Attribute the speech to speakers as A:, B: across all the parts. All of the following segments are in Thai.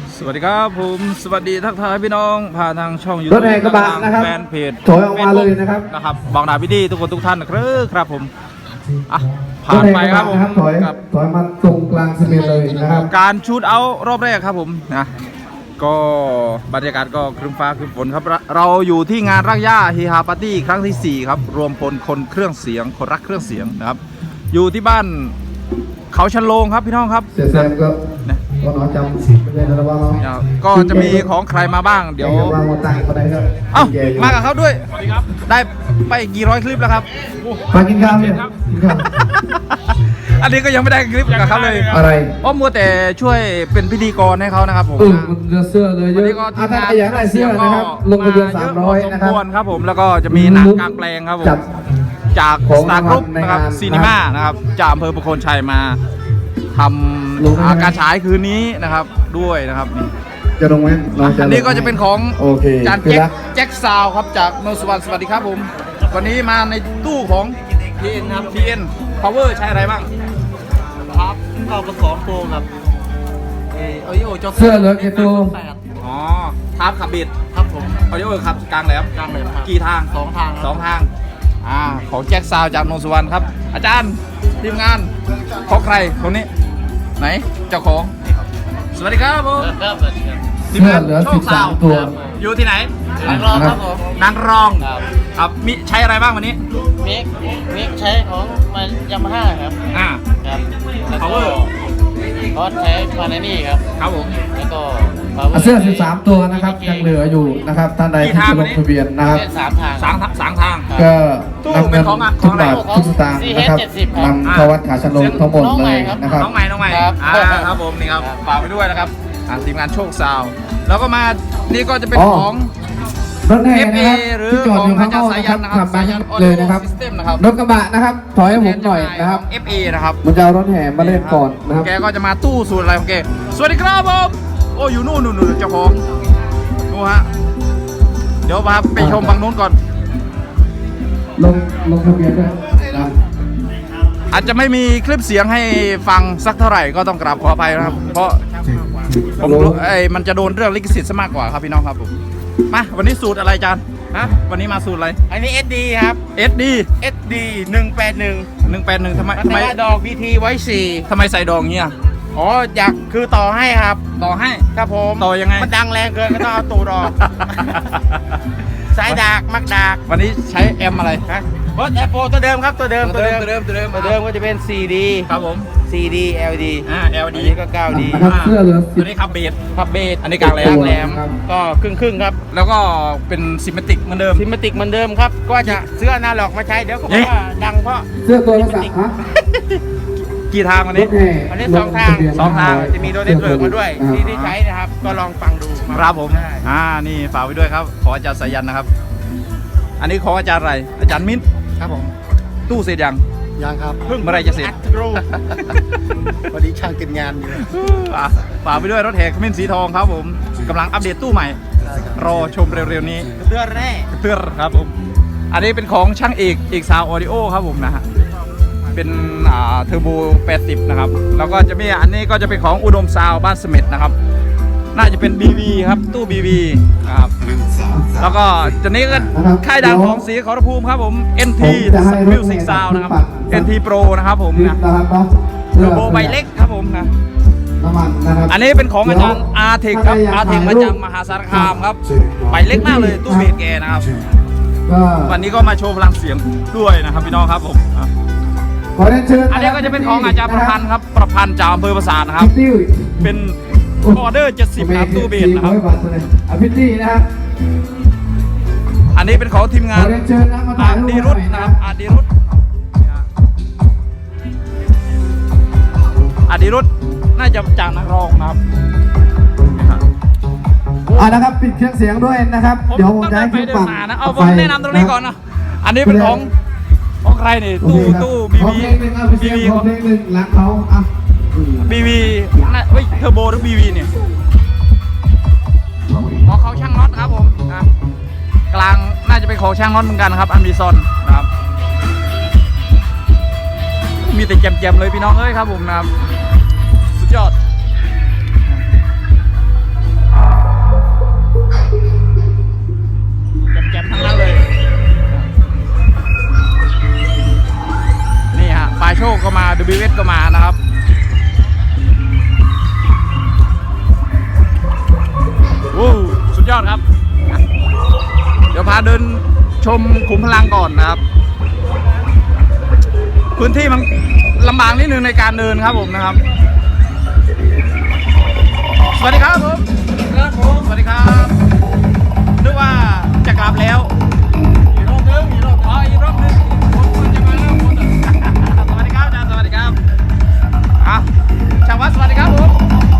A: สวัสดีครับผมสวัสดีทักทายพี่น้องผ่านทางช่องยูทู
B: ร
A: บ
B: ถแห่กระบะนะครับ
A: แฟนเพจ
B: ถอยออกมาเลยนะครับ
A: บางนาพี่ดีทุกคนทุกท่านนะครับผมอ่ะผ่านไปครับผม
B: ถอย
A: กับ
B: ถอยมาตรงกลางซีเมนต์เลยนะครับ
A: การชูดเอาท์รอบแรกครับผมนะก็บรรยากาศก็ครึ้มฟ้าครึ้มฝนครับเราอยู่ที่งานรักย่าฮีฮาปาร์ตี้ครั้งที่ 4 ครับรวมพลคนเครื่องเสียงคนรักเครื่องเสียงนะครับอยู่ที่บ้านเขาชันโลงครับพี่น้องครับ
B: เสียแซมก็
A: นะ
B: ก็น้อยจำไม่ได้แล้วว่าน้อง
A: ก็จะมีของใครมาบ้างเดี๋ยว
B: วางมาตั้งก็ได้ครับ
A: เอ้ามากับเขาด้วยได้ไปกี่ร้อยคลิปแล้วครับ
B: มากินข้าวเนี่ยกินข้าว
A: อันนี้ก็ยังไม่ได้คลิปกับเขาเลย
B: อะไร
A: เพราะมัวแต่ช่วยเป็นพิธีกรให้เขานะครับผม
B: มันเสื้อเลยเย
A: วัน
B: อะ
A: นี้ก็
B: ถ้าอยากได้เสื้อนะครับลงทะเบียน300นะครับ
A: ครับผมแล้วก็จะมีหนังกลางแปลงครับผม
B: จับ
A: จาก
B: ของ
A: สตาร์กรุ๊ป
B: ใน
A: นะครับ
B: งาน
A: ซีนีมานะครับจากอำเภอประโคนชัยมาท
B: ลงได้ไหม
A: ำการฉายคืนนี้นะครับด้วยนะครับนี่
B: จะลงไหมน้องจะลง
A: อันนี้ก็จะเป็นของ
B: โอเค
A: จาน
B: คือ
A: แจ็ค
B: ละ
A: แจ็คซาวครับจากโนสวรรค์สวัสดีครับผมวันนี้มาในตู้ของ TN ครับ TN Power ใช้อะไรบ้าง
C: ครับเอาผสมโปรกับออดิโอจอ
B: เสื้อเหลือกี่ตัว
A: อ๋อทาร์ปขับบิด
C: ครับผม
A: ออดิโอขับกลางแหลม
C: กลางเลยครับ
A: กี่ทาง
C: สองทาง
A: สองทางของแจ็คซาวจากโนนสุวรรณครับ อาจารย์ทีมงานของใครคนนี้ ไหนเจ้าของ สวัสดีครับผม
C: ครับ
A: ทีมงาน
B: เสื้อเหลือ
A: โชคซาว
B: 13ตัว
A: อยู่ที่ไหน
C: นักร้องครับผม
A: นางรอง
C: ครับ
A: ครับมีใช้อะไรบ้างวันนี้
C: มิกใช้ของมันยามาฮ่าครับ
A: อ่า
C: ครับแล้วก็
A: Power
C: คอสใช้พานานี่ครับ
A: ครับผม
C: แล้วก็ Power
B: เสื้อ13ตัวนะครับยังเหลืออยู่นะครับท่านใดที่จะลงทะเบียนนะครับ
C: เล่นสามทาง
A: สามทาง
C: ครับ
B: ก็นำ
A: เป็
B: เงิ
A: น
B: น
A: ของอะ
B: ทุกบาท
C: ของ
B: ทุกสตางค์นะครับ
C: CH70 ครับ
B: นำเข้าวัดขาชนลงทั้งหมดเลยนะครับ
A: น้องใหม่น้องใหม่
C: ครับ
A: ครับผมนี่ครับ
C: ครับ
A: ฝากไปด้วยนะครับทีมงานโชคซาวแล้วก็มานี่ก็จะเป็น
B: อ๋อ
A: ของ
B: รถแห่
A: FA
B: นะครับ
A: หรือ
B: ที่จอดอยู่ข้างนอก
A: ของอา
B: นะ
A: จารย์
B: ครับ
A: สายัน
B: ขับมา
A: นะครับ
B: เลยนะครับ
A: Audio System นะครับ
B: รถกระบะนะครับถอยให้ผมหน่อยนะครับ
A: FA นะครับ
B: มันจะเอารถแห่มาเล่นก่อนนะครับ
A: แกก็จะมาตู้สูตรอะไรของแกสวัสดีครับผมโอ้อยู่นู่นเจ้าของนู่นฮะเดี๋ยวมาไปชมฝั่งนู้นก่อน
B: ลงทะเบียนด้วยนะ
A: อาจจะไม่มีคลิปเสียงให้ฟังสักเท่าไหร่ก็ต้องกราบขออภัยนะครับ เพราะผมรู้มันจะโดนเรื่องลิขสิทธิ์ซะมากกว่าครับพี่น้องครับผมมาวันนี้สูตรอะไรอาจารย์ฮะวันนี้มาสูตรอะไร
C: อันนี้ SD ครับ
A: SD
C: SD 181
A: 181ทำไม
C: ทำไมดอก VT ไว้
A: ทำไมใส่ดองเงี้ย
C: 4อ๋ออยากคือต่อให้ครับ
A: ต่อให้
C: ครับผม
A: ต่อยังไง
C: มันดังแรงเกินก็ต้องเอาตูดออก สายดากมักดาก
A: วันนี้ใช้แอมอะไร
C: ฮะรถแอปโปตัวเดิมครับตัวเดิม
A: ตัวเดิม
C: ก็จะเป็น 4D
A: ครับผม
C: 4D LED
A: LD
C: อันนี้ก็ 9D
B: นะครับเสื้อเหลือ
A: ตัวนี้ขับเบส
C: พับเบส
A: อันนี้กลางแหลม
C: แหลมก็ครึ่งครับ
A: แล้วก็เป็นซิมเมติกเหมือนเดิม
C: ซิมติกเหมือนเดิมครับ ก็จะซื้ออนาล็อกมาใช้เดี๋ยวเขาบอกว่าดังเพราะ
B: เสื้อตัวละสักฮะ
A: กี่ทางวัน
B: ร
A: นี้
B: ถแห่
C: อันนี้สองทาง
A: สองทาง
C: จะมีโดเนทเวิร์กมาด้วยที่ใช้นะครับ ก็ลองฟังดู
A: ครับผม
C: ได้
A: นี่ฝากไว้ด้วยครับ ขออาจารย์สายันนะครับ อันนี้ของอาจารย์อะไร อาจารย์มิ้น
C: ครับผม
A: ตู้เสร็จยัง
C: ยังครับ
A: เมื่อไรจะเสร็จ
C: อัดรู พอดีช่างกินงานอยู่
A: ฝากไปด้วยรถแห่ขมิ้นสีทองครับผมกำลังอัปเดตตู้ใหม่ รอชมเร็วๆนี้
C: เรือแร่
A: เตือนครับผมอันนี้เป็นของช่างเอกซาวออดิโอครับผมนะฮะเป็นเทอร์โบ80นะครับแล้วก็จะมีอันนี้ก็จะเป็นของอุดมซาวบ้านเสม็ดนะครับน่าจะเป็น BV ครับตู้ BV นะครับแล้วก็ตัวนี้ก็ค่ายดังของสีขอรภูมิครับผม NT Music Sound นะครับ NT Pro นะครับผม
B: ลิฟ
A: นะ
B: ต์นะครับเนาะ
A: เทอร์โบใบเล็กครับผมนะ
B: น้ำมันนะครับ
A: อันนี้เป็นของอาจารย์อาเทคครับอาเทคมาจากมหาสารคามครับใบเล็กมากเลยตู้เบสแกนะครับ
B: ก็
A: วันนี้ก็มาโชว์พลังเสียงด้วยนะครับพี่น้องครับผม
B: ขอเรียนเชิญ
A: อันนี้ก็จะเป็นของอาจารย์ประพันธ์ครับประพันธ์จากอำเภอปราสาทนะครับ
B: พิตตี้
A: เป็นออเดอร์70นะครับตู้เบสนะครับ
B: พิตตี้นะครับ
A: อันนี้เป็นของทีมงาน
B: ขอเรียนเชิญนะมาถ่า
A: อาย
B: รูป
A: ดีรุต
B: หน่อย
A: นะครับอาดีรุตอาดีรุตน่าจะจากนักร้องนะครับ
B: นะครับปิดเครื่องเสียงด้วยนะครับ
A: ผม
B: เดี๋ยวผม
A: ต้อง
B: จะ
A: เดิ
B: ให้
A: นไป
B: ขึ้น
A: เดิน
B: ฝั่ง
A: มานะเอาผมแนะนำตรงนี้ก่อนนะอันนี้เป็นของใครนี่
B: โอเคครับ
A: ตู้
B: ขอ
A: BB
B: เพลงหนึ่งเอาไปเสียง
A: BB
B: ขอเพลงหนึ่งหลังเขาอ่ะ
A: BB น่ะเฮ้ยเทอร์โบหรือ BV เนี่ยของเขาช่างน็อตครับผมนะกลางน่าจะเป็นของช่างน็อตเหมือนกันครับอันบีซอนนะครับมีแต่แจมๆเลยพี่น้องเอ้ยครับผมนะครับสุดยอดชมขุมพลังก่อนนะครับ พื้นที่มันลำบากนิดนึงในการเดินครับผมนะครับ สวัสดีครับผมสวัสดีครับนึกว่าจะกลับแล้วอีกรอบนึงอีกรอบนึงผมจะมาแล้วคุณสวัสดีครับอาจารย์สวัสดีครับอ่ะชาววัดสวัสดีครับผม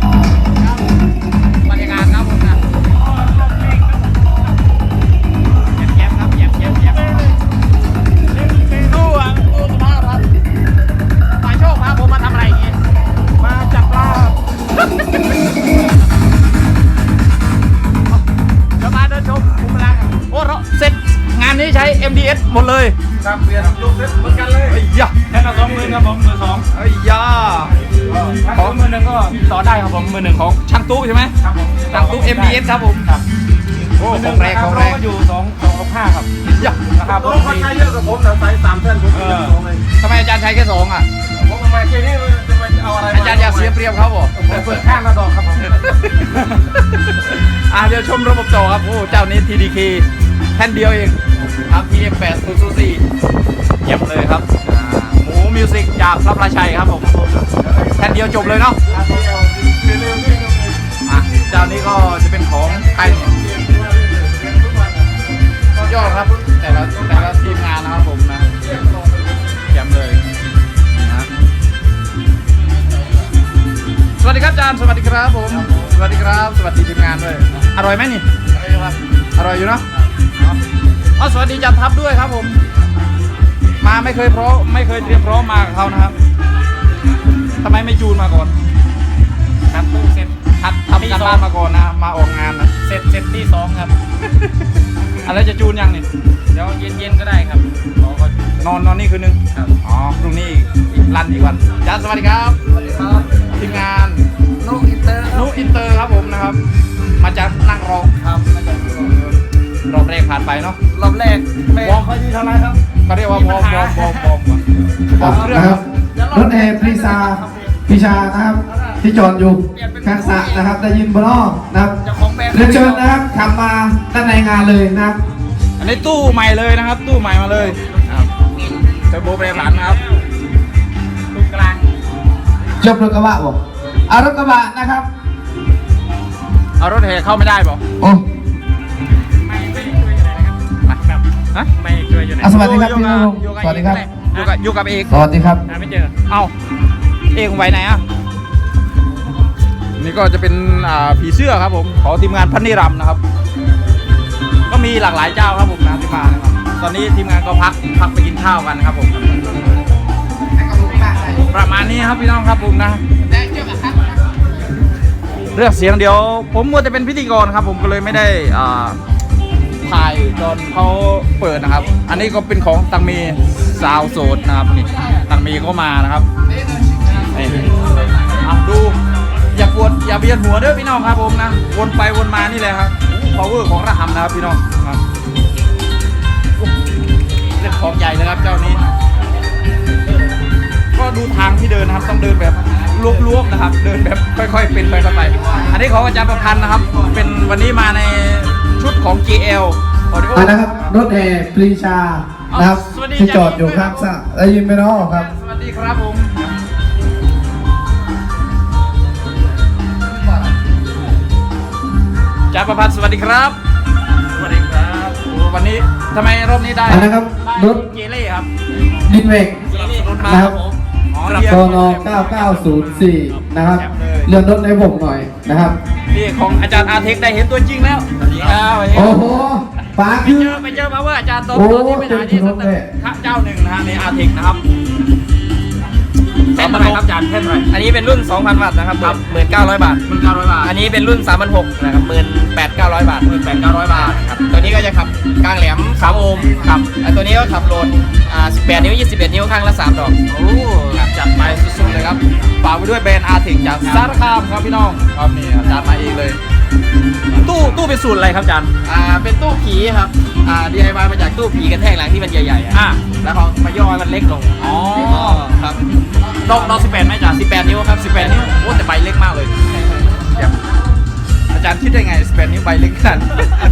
A: บรรยากาศครับผมนะแย้มครับแย้มดูอ่ะดูสภาพครับฝ่ายโชคพาผมมาทำอะไรอย่างงี้มาจับปลาจะมาเดินชมภูมิพลังโอ้เสร็จงานนี้ใช้ MDS หมดเลย
C: ครับเปลี่ยนลูกเซ็ตเหมือนกันเลย
A: ไอ้ยะ
C: แค่ละ20,000ครับผมมือสอง
A: ไอ้ยะ
C: ของมือหนึ่งก็ต่อได้ครับผมมือหนึ่ง
A: ของช่างตู้ใช่ไหม
C: ครับผม
A: ช่างตู้ MDS ครับผม
C: ครับ
A: โอ้ของแรงของแรง
C: ก็อยู่265ครับ
A: ยะ
C: ราคาผมคนใช้เยอะกับผมแต่ใช้3เส้นผมเป็น2เลย
A: ทำไมอาจารย์ใช้แค่สองอ่ะ
C: ผมทำไมแค่นี้จะมาเอาอะไร
A: อาจารย์อยากเสียเปรียบเขาบอก
C: ผมเปิดข้างละดอกครับผม
A: เดี๋ยวชมระบบจอครับโอ้เจ้านี้ TDK แผ่นเดียวเองครับ TM8004 เยี่ยมเลยครับหมูมิวสิกจากพระพลาชัยครับผมแผ่นเดียวจบเลยเนาะเจ้านี้ก็จะเป็นของไทยเนี่ยยอดครับแต่ละทีมงานนะครับผมนะเยี่ยมเลยนะสวัสดีครับอาจารย์สวัสดีครับผมสวัสดีครับสวัสดีทีมงานด้วยอร่อยไหมนี่อร่อยอยู่เนาะอ๋อสวัสดีจันทัพด้วยครับผมมาไม่เคยเตรียมพร้อมมากับเขานะครับทำไมไม่จูนมาก่อน
C: ครับตู้เซ็ต
A: ทำการบ้านมาก่อนนะมาออกงานนะ
C: เซ็ตที่2ครับ
A: อะไรจะจูนยังนี่
C: เดี๋ยวเย็นๆก็ได้ครับรอก็
A: นอนนี่คืนนึง
C: ครับ
A: อ๋อพรุ่งนี้อีกรันอีกวันอาจารย์สวัสดีครับ
C: สวัสดีครับ
A: ทีมงาน
C: ลูกอินเตอร์
A: นุอินเตอร์ครับผมนะครับ มาจากนั่งรอ
C: ครับมาจาก
A: รอบแรกผ่านไปเนาะ
C: รอบแรกวอร์มเขาอยู่เท่าไรครับ
A: เขาเรียกว่าบอมเครื่อง
B: นะครับรถแห่ปรีชานะครับที่จอดอยู่ข้างสระนะครับได้ยินบนอ้อนะครับ
C: เจ้าของแบรนด์
B: เรียนเชิญนะครับขับมาด้านในงานเลยนะครับ
A: อันนี้ตู้ใหม่เลยนะครับ ตู้ใหม่มาเลยนะครับเทอร์โบแปรผันนะครับ
C: ตรงกลาง
B: ชอบรถกระบะบอกเอารถกระบะนะครับ
A: เอารถแห่เข้าไม่ได้ป่ะ
B: โอ้
C: ไม่ช่วยอยู่ไหนนะครับ
A: ฮะ
C: ไม่ช่วยอยู่ไหน
B: สวัสดีครับพี่น้องสวัสดีครับ
A: อยู่กับเอก
B: สวัสดีครับ
C: หาไม่เจอ
A: เอ้าเอกไว้ไหนอ่ะนี่ก็จะเป็นผีเสื้อครับผมของทีมงานพันนิรัมย์นะครับ ก็มีหลากหลายเจ้าครับผมนะที่มานะครับตอนนี้ทีมงานก็พักไปกินข้าวกันครับผมประมาณนี้ครับพี่น้องครับผมนะเรื่องเสียงเดี๋ยวผมมัวจะเป็นพิธีกรครับผมก็เลยไม่ได้ถ่ายตอนเขาเปิดนะครับ อันนี้ก็เป็นของตังเมซาวโซดนะครับนี่ตังเมก็มานะครับนี่ดูอย่าปวดอย่าเบียดหัวเด้อพี่น้องครับผมนะวนไปวนมานี่แหละครับพาวเวอร์ของระหำนะครับพี่น้องครับเล่นของใหญ่เลยครับเจ้านี้ ก็ดูทางที่เดินนะครับต้องเดินแบบลวบๆนะครับ เดินแบบค่อยๆเป็นไปค่อยไปอันนี้ของอาจารย์ประพันธ์นะครับ เป็นวันนี้มาในชุดของ GL Audio
B: นะครับรถแห่ปรีชานะครับ
A: สวัสดี
B: ที่จอดอยู่ข้างสระได้ยินไหมน้องครับ
A: สวัสดีครับผมอาจารย์ประพันธ์สวัสดีครับ
C: สวัสดีครับ
A: โอ้วันนี้ทำไมรอบนี้ได้
B: อันนะครับรถ
A: เกเล่ครับ
B: ดินเวก
A: สนับสนุนมา
B: นะ
A: ค
B: ค
A: รั
B: รั
A: บบ ผมอ๋อ
B: ต
A: เรียก
B: น9904นะครับเลื่อนรถในผมหน่อยนะครับ
A: นี่ของอาจารย์อาเทคได้เห็นตัวจริงแล้วสวัสดีครับ
B: โอ้โหปาคือ
A: ไปเจอมาว่าอาจารย์ตอน
B: โอ้
A: ที่ไปหาที่ส
B: เต็มถนนเลย
A: ตึกเจ้าหนึ่งนะฮะในอาเทคนะครับแท่นอะไรครับอาจารย์แท่นอะไร
D: อันนี้เป็นรุ่น 2,000 วัตต์นะครับ 19,000 บาท
A: 1,900 บาท
D: อันนี้เป็นรุ่น 3,600 นะครับ 18,900 บาท
A: 1,900 บาท
D: ครับ ตัวนี้ก็จะขับกลางแหลม 3 โอห์มครับอันตัวนี้ก็ขับโหลด18 นิ้ว 21 นิ้วข้างละ 3 ดอก
A: โอ้จัดไปสุดๆเลยครับฝากไปด้วยแบรนด์อาเทคจากสารคามครับพี่น้องครับนี่อาจารย์มาเองเลย ตู้เป็นสูตรอะไรครับอาจารย์
D: เป็นตู้ผีครับ DIY มาจากตู้ผีกระแทกหลังที่มันใหญ่ๆอะ
A: อ่ะ
D: แล้วเขามาย่อให้มันเล็กลง
A: อ๋อ
D: ครับ
A: ดอก18ไหมอาจารย์
D: 18 นิ้วครับ
A: 18 นิ้วโอ้แต่ใบเล็กมากเลยเยี่ยมอาจารย์คิดได้ไง18 นิ้วใบเล็กขนาดนี้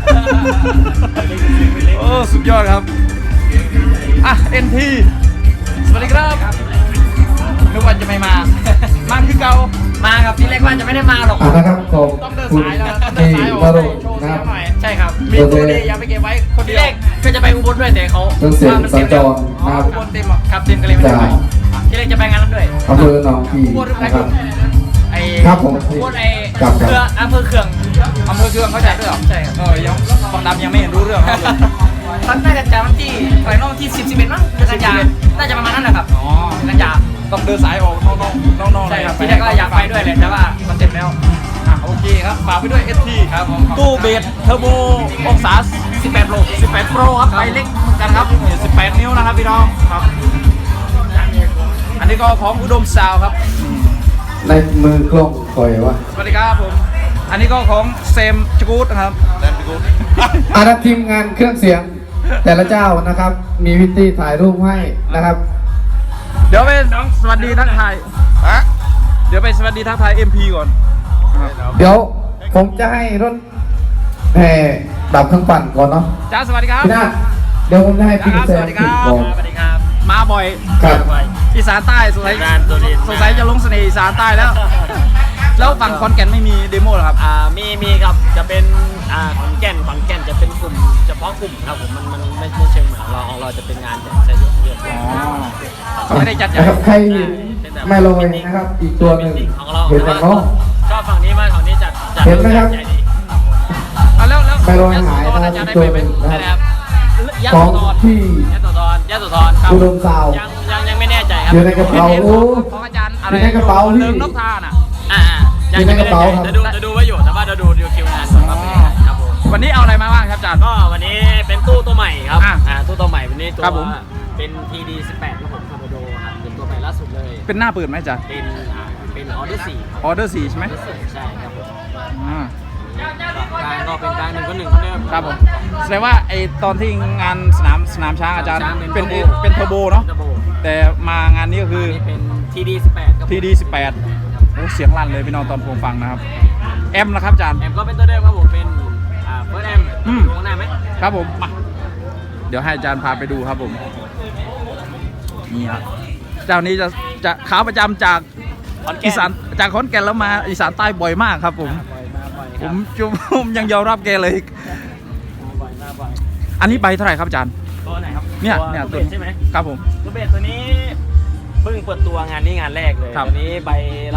A: โอ้สุดยอดครับอ่ะ NT สวัสดีครับนึกว่าจะไม่มา มาคือเก่า
D: มาครับที่แรกว่าจะไม่ได้มาหรอก
B: นะครับขอบ
A: ต้องเดิน
B: คุณ
A: สายแล้วต้องเดิน
B: ที่
A: สายออก
B: มา
A: ไป
B: ลง
A: โชว์
B: นะ
A: เสี
B: ค
A: ย
B: รับ
A: งหน่อยใช่ครับมีตัวดีอย่าไปเก็บไว้คน
D: ที่
A: เดี
D: แร
A: ยว
D: กก็จะไปอุบลด้วยแต่เขา
B: เครื่องเสียง
D: ว่ามัน
B: สั
D: เต็
B: ญ
D: ม
B: จ
D: แล้ว
B: ร
A: อ๋อ
B: นะครับ
A: อุบลเต็มอ่ะ
D: ครับเต็มก็เลยไม่ได้ไปที่แรกจะไปงานนั้นด้วย
B: อำเภอหนองกี่
A: อุบลหรือไง
B: นะครับ
A: ไอ้
B: ครับผม
D: อุบลไอ้
B: ครับ
D: เครืออำเภอเขื่อง
A: อำเภอเคืองเข้าใจด้วยเหรอ
D: ใช่ครับ
A: ยังบางดำยังไม่เห็นรู้เรื่องเขาเลย
D: ตอนน่าจะจำวันที่อะไรน้องที่11มั้งกันยาน่าจะประมาณนั้นแหละครับ
A: อ๋อ
D: กันยา
A: ต้องเดินสายออกน้องๆ
D: ใช่ครับ
A: เลย
D: ที่แรกก็อยากไปด้วยเลยแต่ว่ามันเต็มแล้ว
A: อ่ะโอเคครับฝากไปด้วย ST
D: ครับผม
A: ตู้เบสเทอร์โบองศา18 โล 18 โปรครับใบเล็กเหมือนกันครับนี่18 นิ้วนะครับพี่น้องครับ อันนี้ก็ของอุดมซาวครับ
B: ในมือกล้องคอยวะ
A: สวัสดีครับผม อันนี้ก็ของเซมจกูดนะครับเซมจกูด
B: อารับทีมงานเครื่องเสียง แต่ละเจ้านะครับ มีวิธีถ่ายรูปให้นะครับ
A: เดี๋ยวไปสวัสดีทักทายเดี๋ยวไปสวัสดีทักทาย MP ก่อน
B: เดี๋ยวผมจะให้รถแห่ดับเครื่องปั่นก่อนเนาะ
A: จ้าสวัสดีครับ
B: พี่นาฏเดี๋ยวผมจะให้พี่
A: ครับ
B: แซ
A: ส
B: ม
A: วัสดีค
B: ติ
A: รั
B: ด
A: บ
B: ก่อน
D: สวัสดีครับ
A: มาบ่อย
B: ครับ
A: อีสานใต้สงสัยจะลงเสน่ห์อีสานใต้แล้ว แล้วฝั่งคอนแก่นไม่มีเดโมเหรอครับ
D: มีครับจะเป็นขอนแก่นจะเป็นกลุ่มเฉพาะกลุ่มครับผมมันไม่เชิงเหมือนของเราจะเป็นงานแบบใช้เยอะ
A: อ๋อเขาไม่ได้จัดใหญ่
B: นะครับใครไม่ลอยนะครับ อีกตัวหนึ่ง
D: ของเรา
B: เห็นไหมเนาะ
D: ชอบฝั่งนี้มากฝั่งนี้จัด
B: เห็นไหมครับ
D: ใหญ่ดี
A: อ่ะแล้ว
B: ไม่ลอยหาย
A: ตอน
B: นะ
A: อา
B: ค
A: จา
B: รั
A: ร
B: บ
A: ย์ได้
B: อีก
A: ไป
B: ตัว
A: ไหม
B: หนึ่งนะครับ
D: ยะ
B: ข
D: โส
B: อง
D: ธร
B: ที่
D: ยะโสธรครับ
B: อุดมซาว
D: ยังไม่แน่ใจครับ
B: อยู่ในกระเป๋า
A: ของอาจารย์อะไร
B: อยู่ในกระเป๋าพี่
A: เริงนกทาน่ะ
D: ยังไม่แน่
B: อยู่ในกระเป๋า
D: ใจ
B: ครับ
D: จะดูไว้อยู่แต่ว่าจะดูคิวงานก่อนว่าเป็นยังไงครับผม
A: วันนี้เอาอะไรมาบ้างครับอาจารย์
D: ก็วันนี้เป็นตู้ตัวใหม่ครับ
A: อ่ะ
D: ตู้ตัวใหม่วันนี้ตัว
A: ครับผม
D: เป็น PD 18ครับผมคาร์บโดครับเป็นตัวใหม่ล่าสุดเลย
A: เป็นหน้าเปิดไหมอาจารย์
D: เป็นออเดอร์4
A: ออเดอร์4ใช่ไหม
D: ใช่ครับผม
A: อ่า
D: การก็เป็นการ1 คน 1คนเดิม
A: ครับผมแสดงว่าไอตอนที่งานสนามช้างอาจารย์
D: สนามช้าง
A: เป็น
D: เป็น
A: เป็นเทอร์โบเนาะ
D: เทอร์โบ
A: แต่มางานนี้ก็คือ
D: อันนี้เป็น TD 18ครับผม
A: TD 18โอ้เสียงลั่นเลยพี่น้องตอนผมฟังนะครับแอมนะครับอาจารย์
D: แอมก็เป็นตัวเดิมครับผมเป็นเฟิร์สแอม
A: อืม
D: ดูข้างหน้าไหม
A: ครับผมมาเดี๋ยวให้อาจารย์พาไปดูครับผมนี่ครับเจ้านี้จะขาประจำจาก
D: ขอนแก่
A: อี
D: น
A: สานจากขอนแก่นแล้วมาอีสานใต้บ่อยมากครับผม
D: บ่อย
A: ผม
D: ครับ
A: ผมยังยอมรับแกเลย
D: บ่อย
A: อันนี้ใบเท่าไหร่ครับอาจารย์
D: ตัวไหนครับ
A: เนี่ย
D: ตัว
A: ตัว
D: เบสใช่ไหม
A: ครับผม
D: ตัวเบสตัวนี้เพิ่งเปิดตัวงานนี้งานแรกเลย
A: ครับ
D: ตัวนี้ใบละ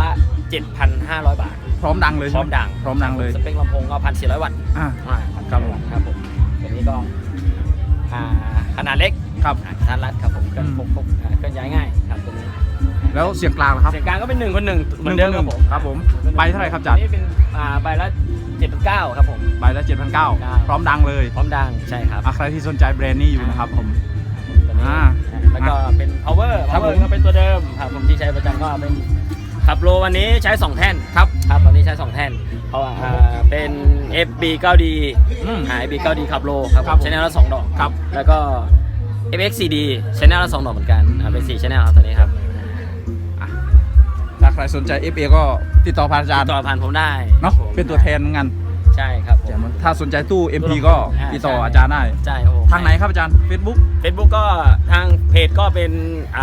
D: 7,500 บาท
A: พร้อมดังเลย
D: พร้อมดัง
A: พร้อมดังเลย
D: สเปคลำโพงก็1,400 วัตต์
A: อ่า
D: ครับผมตัวนี้ก็ขนาดเล็ก
A: ครับ
D: กระทัดรัดครับผมเคลื่อน
A: อืม
D: พกเคลื่อนย้ายง่ายครับตัวนี้
A: แล้วเสียงกลางล่ะครับ
D: เสียงกลางก็เป็น1 คน 1เหมือนเดิมครับผม
A: ครับผมใบเท่าไหร่ครับอาจารย์
D: นี่เป็นใบละ 7,900ครับผม
A: ใบละ7,900พร้อมดังเลย
D: พร้อมดังใช่ครับ
A: อ่ะใครที่สนใจแบรนด์นี้อยู่นะครับผม
D: ตัวนี้
A: อ่า
D: แล้วก็เป็น power
A: ครับผม
D: ก็เป็นตัวเดิมครับผมที่ใช้ประจำก็เป็นขับโลวันนี้ใช้ 2 แท่น
A: ครับ
D: ครับวันนี้ใช้ 2 แท่นเพราะว่าเป็น FB 9D
A: อืม
D: FB 9D ขับโลครับ
A: ครับผม
D: ใช้แนวละ2 ดอก
A: ครับ
D: แล้วก็ FXCD ใช้แนวละ2 ดอกเหมือนกันเป็น4 channel ครับตัวนี้ครับ
A: อ่ะถ้าใครสนใจ FA ก็ติดต่อผ่านอาจารย์
D: ต่อผ่านผมได้
A: เนาะ
D: ครับผม
A: เป็นตัวแทนงาน
D: ใช่ครับผม
A: ถ้าสนใจตู้ MP ก็ติดต่ออาจารย์ได้
D: ใช่ครับผม
A: ทางไหนครับอาจารย์ Facebook
D: Facebook ก็ทางเพจก็เป็น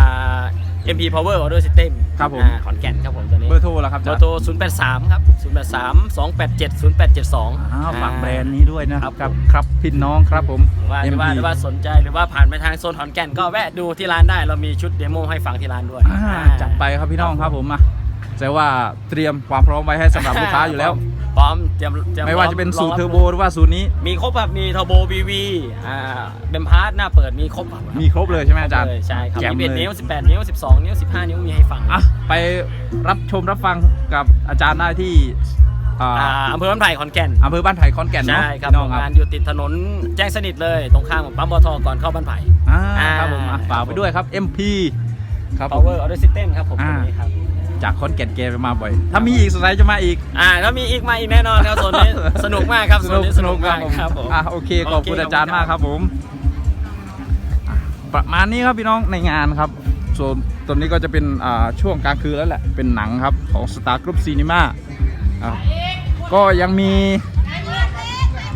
D: MP Power Order System
A: ครับผม
D: ขอนแก่นครับผมตัวนี้
A: เบอร์โทรละครับอา
D: เบ
A: จา
D: อ
A: ร
D: ร์
A: ย์
D: โทร 083 ครับ 083 287 0872
A: ฝากแบรนด์นี้ด้วยนะครับ
D: ผม
A: ครับพี่น้องครับผม
D: ว่า
A: MP
D: หรือว่าสนใจหรือว่าผ่านไปทางโซนขอนแก่นก็แวะดูที่ร้านได้เรามีชุดเดโมให้ฟังที่ร้านด้วย
A: จัดไปครับพี่น้องครับผมมาแต่ว่าเตรียมความพร้อมไว้ให้สำหรับลูกค้าอยู่แล้ว
D: พร้อมเตรียม
A: ไม่ว่าจะเป็นสูตรเทอร์โบหรือว่าสูตรนี้
D: มีครบครับมีเทอร์โบ VV เบมพาร์ทหน้าเปิดมีครบครับ
A: มีครบเลยใช่ไหมอาจารย์
D: ใช่ครับ
A: แจ่ม
D: มี
A: เลย
D: 11 นิ้ว 18 นิ้ว 12 นิ้ว 15 นิ้วมีให้ฟัง
A: อ่ะไปรับชมรับฟังกับอาจารย์ได้ที่อ่า
D: อำเภอบ้านไผ่ขอนแก่น
A: อำเภอบ้านไผ่ขอนแก่นเนาะ
D: ใช่ครับ
A: พี่น้องค
D: งา
A: รั
D: น
A: บ
D: อยู่ติดถนนแจ้งสนิทเลยตรงข้ามกับปั๊มปตทก่อนเข้าบ้านไผ่
A: ครับผมอ่ะฝากไปด้วยครับ MP ครับผม
D: Power Order System ครับผมตัวนี้ครับ
A: จากขอนแก่นเกไปมาบ่อย ถ้ามีอีกสไลด์จะมาอีก
D: ถ้ามีอีกมาอีกแน่นอนครับโซนนี้ สนุกมากครับโซนนี้สนุกมากครับผม
A: โอเคขอบคุณอาจารย์มากครับผมอ่ะประมาณนี้ครับพี่น้องในงานครับส่วนตอนนี้ก็จะเป็นช่วงกลางคืนแล้วแหละเป็นหนังครับของ Star Group Cinema ก็ยังมี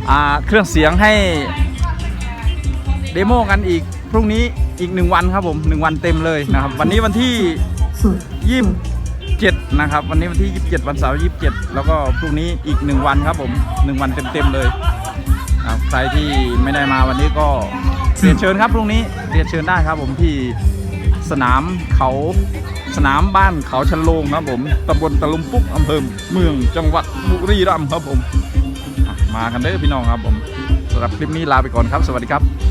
A: เครื่องเสียงให้เดโมกันอีกพรุ่งนี้อีก1วันครับผม1วันเต็มเลยนะครับวันนี้วันที่27นะครับวันนี้วันที่27วันเสาร์27แล้วก็พรุ่งนี้อีก1วันครับผม1วันเต็มๆเลยใครที่ไม่ได้มาวันนี้ก็เรียนเชิญครับพรุ่งนี้เรียนเชิญได้ครับผมที่สนามบ้านเขาชันโลงครับผมตำบลตะลุมปุ๊กอำเภอเมืองจังหวัดบุรีรัมย์ครับผมมากันเด้อพี่น้องครับผมสำหรับคลิปนี้ลาไปก่อนครับสวัสดีครับ